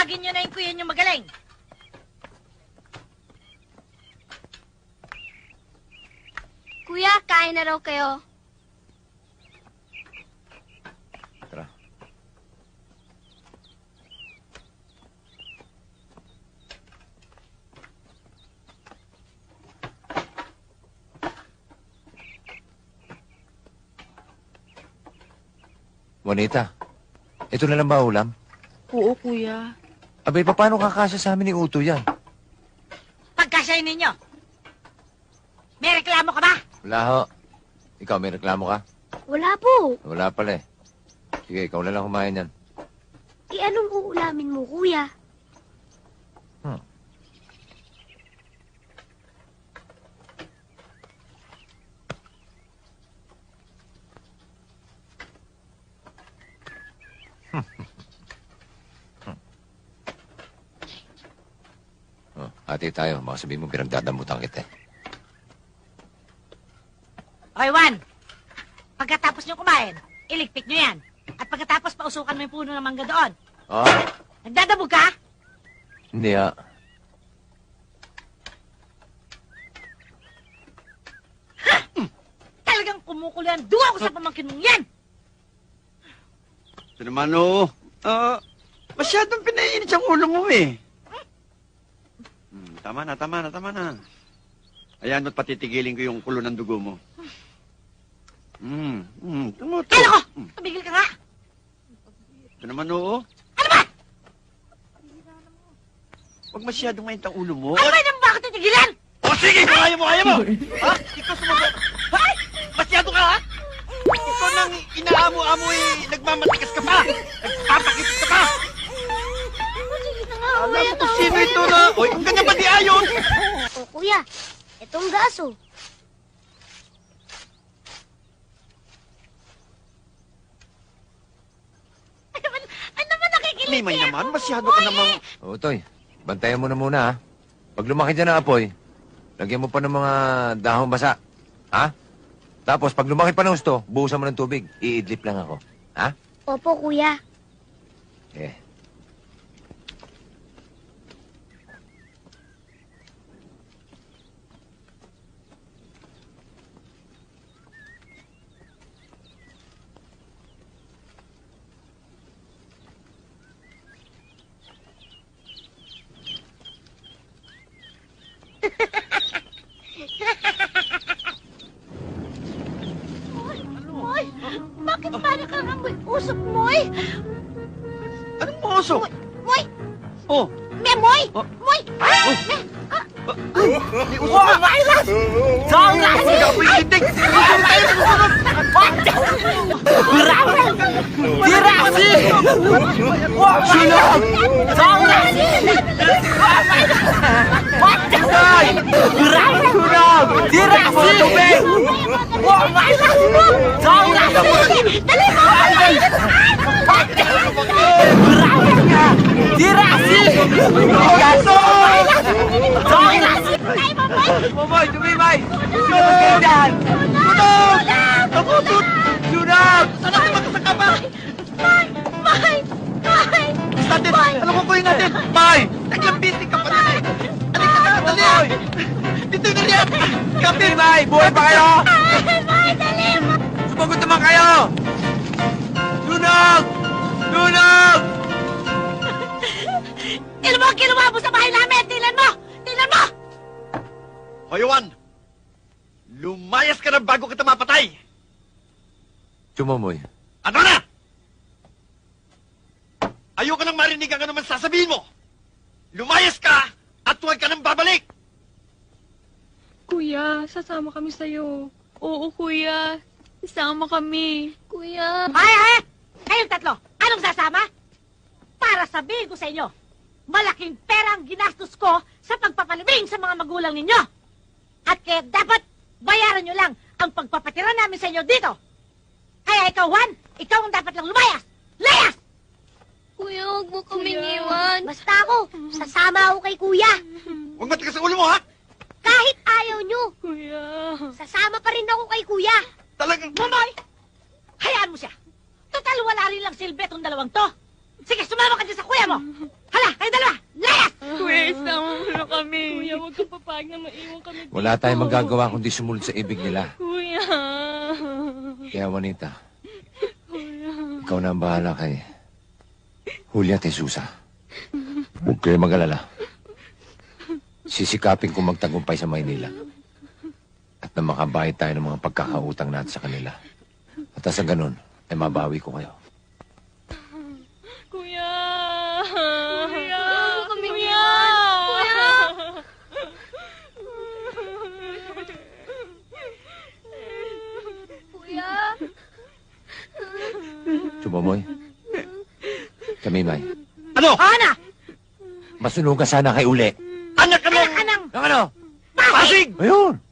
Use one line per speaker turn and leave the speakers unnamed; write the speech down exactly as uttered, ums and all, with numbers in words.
Tawagin nyo na yung kuya nyo magaling.
Kuya, kain na raw kayo.
Tara. Juanita, ito na lang ba ulam?
Oo, kuya.
Abay, paano kakasya sa amin ni Uto yan?
Pagkasyahin ninyo. May reklamo ka ba?
Wala ho. Ikaw, may reklamo ka?
Wala po.
Wala pala eh. Sige, ikaw na lang kumain yan.
E anong uulamin mo, kuya?
Hmm. Oh, hati tayo. Baka sabihin mo, pinagdadamutan kita eh.
Okay, Juan. Pagkatapos nyo kumain, iligpit nyo yan. At pagkatapos, pausukan mo yung puno ng mangga doon.
Oh,
Nagdadabog ka?
hindi ha.
Talagang kumukulo yan. Duwa ko sa pamangkin mong yan.
Ito naman, oo. Ah, masyadong pinaiinit ang ulo mo eh. Hmm, tama na, tama na, tama na. Ayan, mo't patitigilin ko yung kulo ng dugo mo. Hmm, hmm, tumuto.
Kaya ko!
Hmm,
Tumigil ka nga.
ito naman, oo.
Ano ba?
Huwag masyadong mainit ang ulo mo.
Ano ba yung bakit titigilan?
O sige, kung kaya mo, kaya mo! Ha? Ikaw sumagot. Ha? Masyado ka, ha? Ikaw nang inaamo-amo eh, nagmamatikas ka pa! Nagpapakipit ka pa!
Sige na nga,
Alam mo kung sino ito na... Oy, ang ganyan ba di ayon?
O, kuya, itong gaso.
Ano naman, ano naman nakikilig
Limay
kaya
naman,
ako?
masyado ka namang...
Oo, Toy. Bantayan mo na muna ha. Pag lumaki dyan ang apoy, lagyan mo pa ng mga dahong basa. Ha? Tapos, pag lumaki pa ng gusto, buhusan mo ng tubig. Iidlip lang ako. Ha?
Opo, kuya.
Eh.
Moy, bakit para kang amoy usok, Moy?
Anong mo usok?
Moy,
Oh,
me, Moy!
Oh.
Moy!
Oh.
Me,
may usok na! Saan? Hindi ako pintindig! Susunod tayo, susunod!
Dirasi! Sunod! Dirasi! Sunod! Dirasi! Tubig!
dali mo!
Dirasi!
Tay mo, Moy!
Momoy, tumimay! Sunod kayo dyan! Sunod! Nakutut! Sunod!
Saan natin magkasaka pa?
Moy! Moy! Moy!
Natin, ano ko kuhin natin? May! Naglang busy ka pa na eh! Alika na, dali! Dito na liyan! Kapit!
Tumimay! Buhay pa kayo!
Ay, Moy, dali mo!
Sumagot naman kayo! Sunog! Sunog!
Ilan mo ang kinuha mo sa bahay namin? Tilan mo! Tilan mo!
Hoy, Juan! Lumayas ka na bago kita mapatay!
Tumamoy.
Ano na? Ayoko nang marinig ang anuman sasabihin mo! Lumayas ka at huwag ka nang babalik!
Kuya, sasama kami sa'yo. Oo, kuya. Sasama kami. Kuya.
Ay, ay! Kayong tatlo, anong sasama? Para sabihin ko sa inyo, malaking pera ang ginastos ko sa pagpapalibing sa mga magulang ninyo. At kaya dapat bayaran nyo lang ang pagpapatira namin sa inyo dito. Kaya ikaw, Juan, ikaw ang dapat lang lumayas. Layas!
Kuya, huwag mo
kaming
iwan. Basta ako, sasama ako kay kuya.
Huwag matigas sa ulo mo, ha?
Kahit ayaw nyo,
Kuya.
sasama pa rin ako kay kuya.
Talagang...
Mamoy! Hayaan mo siya. Total, wala rin lang silbi itong dalawang to. Sige, sumama ka dyan sa kuya mo. Hala, kayo
papayag na maiwan kami dito.
Wala tayong magagawa kundi sumunod sa ibig nila.
Kuya.
Kaya, Juanita, ikaw na ang bahala kay Julia at Jesusa. Huwag kayo mag-alala. Sisikapin kong magtagumpay sa Maynila. At na makabayad tayo ng mga pagkakautang natin sa kanila. At sa ganun, ay mabawi ko kayo.
Kuya. Kuya. Kami Kuya.
Kuya. Kuya.
Sumamoy. Kamimay.
Ano?
Ana!
Masunugan sana kay Uli.
Anak ka
Anak ka ng...
Ang ano?
Pasig!
Ayun!